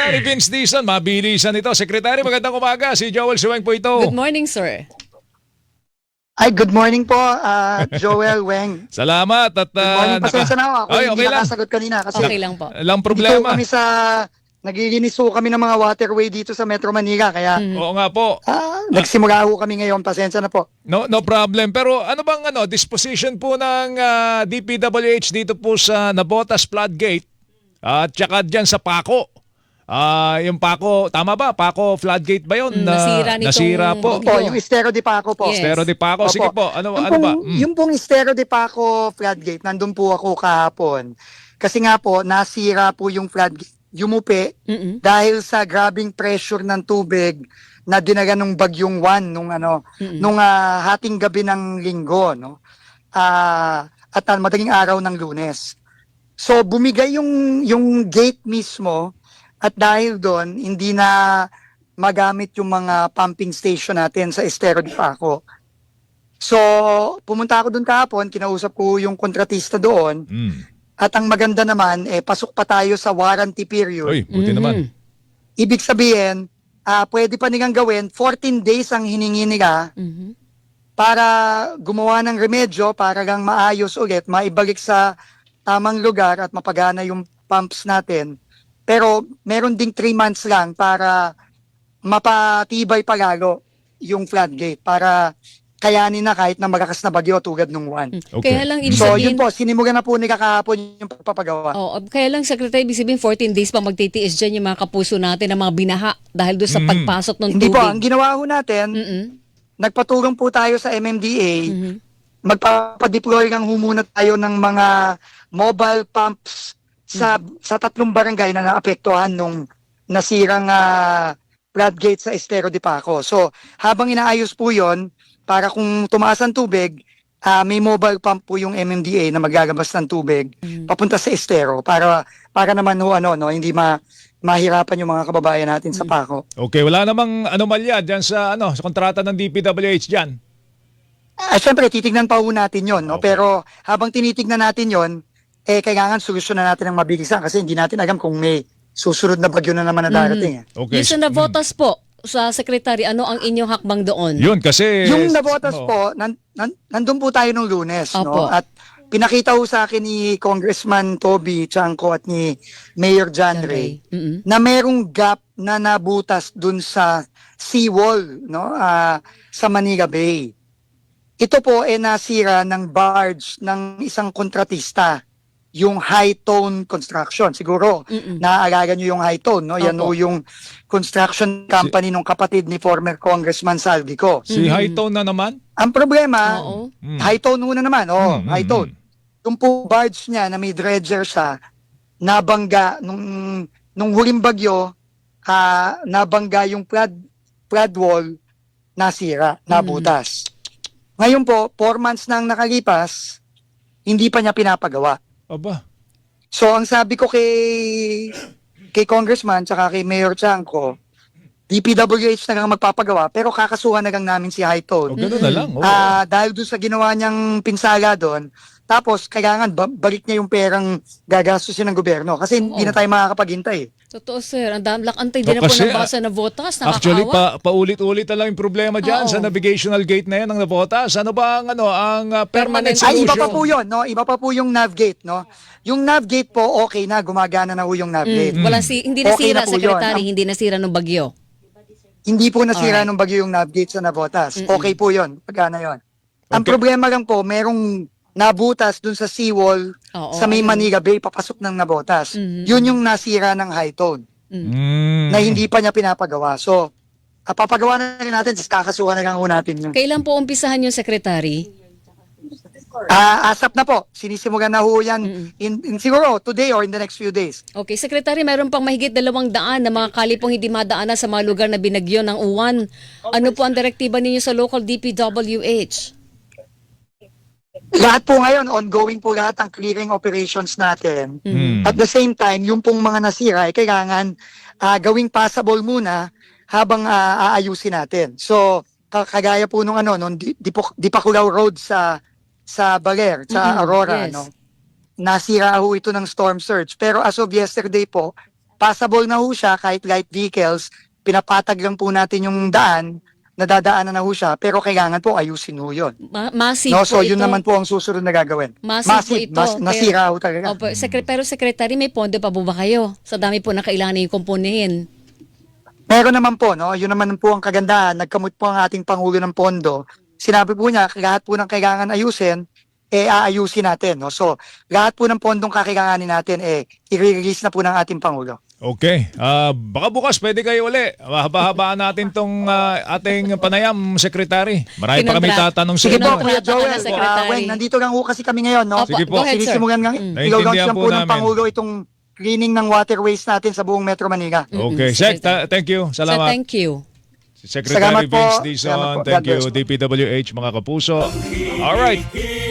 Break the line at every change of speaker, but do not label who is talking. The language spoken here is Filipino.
ni Vince Dizon. Mabilisan ito. Secretary, magandang umaga. Si Joel Suweng po ito.
Good morning, sir.
Ay, good morning po, Joel Weng.
Salamat. At,
Good morning, pasensya na ako.
Ay,
Hindi
okay lang.
nakasagot kanina kasi
Okay lang po.
Lang
dito
problema.
kami naglilinis ho kami ng mga waterway dito sa Metro Manila. Kaya
Oo nga po.
nagsimula ho kami ngayon. Pasensya na po.
No problem. Pero ano bang disposition po ng DPWH dito po sa Navotas Floodgate at saka dyan sa Paco? Yung Paco, tama ba? Paco Floodgate ba yun? Nasira po.
Opo, yung Estero de Paco po.
Yes.
Pero di Paco, sige po. Ano ba?
Yung pong Estero de Paco floodgate, nandun po ako kahapon. Kasi nga po, nasira po yung floodgate. Yumupi dahil sa grabing pressure ng tubig na dinaga nung bagyong Juan nung hating gabi ng linggo, no? At madaling araw ng Lunes. So bumigay yung gate mismo at dahil doon hindi na magamit yung mga pumping station natin sa Estero de Paco. So pumunta ako doon kahapon, kinausap ko yung kontratista doon. At ang maganda naman, pasok pa tayo sa warranty period.
Uy, buti naman.
Ibig sabihin, pwede pa nilang gawin, 14 days ang hiningi nila para gumawa ng remedyo, para lang maayos ulit, maibalik sa tamang lugar at mapagana yung pumps natin. Pero meron ding 3 months lang para mapatibay palalo yung floodgate, para kayanin na kahit na magakas na bagyo tulad nung Juan.
Okay.
Kaya lang, ibig
So
sabihin,
yun po, sinimulan na po ni kakahapon yung pagpapagawa.
kaya lang, Secretary, ibig sabihin 14 days pa magtitiis dyan yung mga kapuso natin ng mga binaha dahil doon sa pagpasok ng
Hindi
tubig.
po, ang ginawa ho natin, nagpatulong po tayo sa MMDA, magpapadeploy lang ho muna tayo ng mga mobile pumps sa 3 barangay na naapektuhan nung nasirang floodgate sa Estero de Paco. So, habang inaayos po yon, para kung tumaas ang tubig, may mobile pump po yung MMDA na magagabas ng tubig papunta sa Estero para naman ho hindi mahirapan yung mga kababayan natin sa Paco.
Okay, wala namang anomalya dyan sa sa kontrata ng DPWH dyan.
Siyempre, titignan pa ho natin yon, no?
Okay.
Pero habang tinitignan natin yon, kailangan solusyonan natin ng mabilisan kasi hindi natin alam kung may susunod na bagyo na naman na darating.
Okay.
Yung sa Navotas po, sa Secretary, ano ang inyong hakbang doon?
Yun, kasi...
Yung Navotas po, nandun po tayo nung Lunes,
Opo.
no? At pinakita ho sa akin ni Congressman Toby Chanco at ni Mayor John Ray na merong gap na nabutas dun sa seawall, no? Sa Manila Bay. Ito po nasira ng barge ng isang kontratista, yung High Tone Construction. Siguro, naaalala nyo yung High Tone, no? Yan
Opo.
o yung construction company ng kapatid ni former Congressman Saldico.
Si Hightone na naman?
Ang problema,
Oo.
High Tone muna naman, High Tone. Yung po barge niya na may dredger siya, nabangga nung huling bagyo, nabangga yung flood wall, nasira, nabutas. Ngayon po, 4 months nang nakalipas, hindi pa niya pinapagawa.
Aba.
So ang sabi ko kay Congressman tsaka kay Mayor Chanco, DPWH na lang magpapagawa pero kakasuhan na lang namin si High Tone.
Ganun na lang.
Dahil doon sa ginawa niyang pinsala doon, tapos kailangan balik niya yung perang gagastusin ng gobyerno kasi hindi na tayo makakapaghintay.
Totoo, sir. Ang damlak-antay din na po
Kasi,
ng basa na Navotas.
Actually,
Nakakaawa.
paulit-ulit na lang yung problema dyan
Oo.
sa navigational gate na yan ng Navotas. Ano ba ang permanent
Permanent
solution?
Ay, iba pa po yun, no? Iba pa po yung navgate, no? Yung navgate po, okay na, gumagana na po yung navgate.
Hindi
Okay
nasira,
na po
Secretary.
yun.
Hindi nasira ng bagyo.
Hindi po nasira
Alright.
nung bagyo yung navgate sa Navotas. Okay po yun, pagana yun. Ang
Okay.
problema lang po, merong nabutas dun sa seawall
Oo,
sa may
ayun.
Manila Bay, papasok ng Navotas. Yun yung nasira ng High Tone na hindi pa niya pinapagawa. So, papagawa na rin natin, kakasuhan na lang ho natin yun.
Kailan po umpisahan yung Secretary?
Asap na po, sinisimulan na ho yan in siguro today or in the next few days.
Okay, Secretary, mayroon pang mahigit 200 na mga kalipong hindi madaanan sa mga lugar na binagyo ng uwan. Ano po ang direktiba ninyo sa local DPWH?
Lahat po ngayon, ongoing po lahat ang clearing operations natin. At the same time, yung pong mga nasira, kailangan gawing passable muna habang aayusin natin. So, kagaya po nung Dipakulaw Road sa Baler, sa Aurora,
yes.
no? Nasira ho ito ng storm surge. Pero as of yesterday po, passable na ho siya kahit light vehicles, pinapatag lang po natin yung daan, nadadaanan na ho siya, pero kailangan po ayusin ho yun.
Massive
No, so
po
yun
ito.
naman po ang susunod na gagawin.
Massive po ito.
Nasira ho talaga.
Opo, pero Secretary, may pondo pa po ba kayo? Sa dami po na kailangan yung kumpunin.
Meron naman po, no? Yun naman po ang kagandahan. Nagkamot po ang ating Pangulo ng Pondo. Sinabi po niya, lahat po ng kailangan ayusin, aayusin natin. No? So, lahat po ng pondong kakailanganin natin, i-release na po ng ating Pangulo.
Okay. Baka bukas pwede kayo uli. Haba-habaan natin tong ating panayam, Secretary. Marami pa kami
Kinontra-
tatanong sa
Sige
inyo.
po, Kuya
Kontrata ka
Joel.
na, Secretary.
Weng, nandito lang po kasi kami ngayon, no?
Opo,
Sige po.
go ahead, sir.
Sinisimulan nga,
Naiintindihan
ilo-launch lang
po
po ng
namin.
Pangulo itong cleaning ng waterways natin sa buong Metro Manila.
Okay.
Sige,
Sec, thank you.
So,
Salamat.
thank you.
Secretary
Salamat po.
Vince
Salamat
Dizon.
po.
Thank
God
you,
bless.
DPWH, mga kapuso. All right.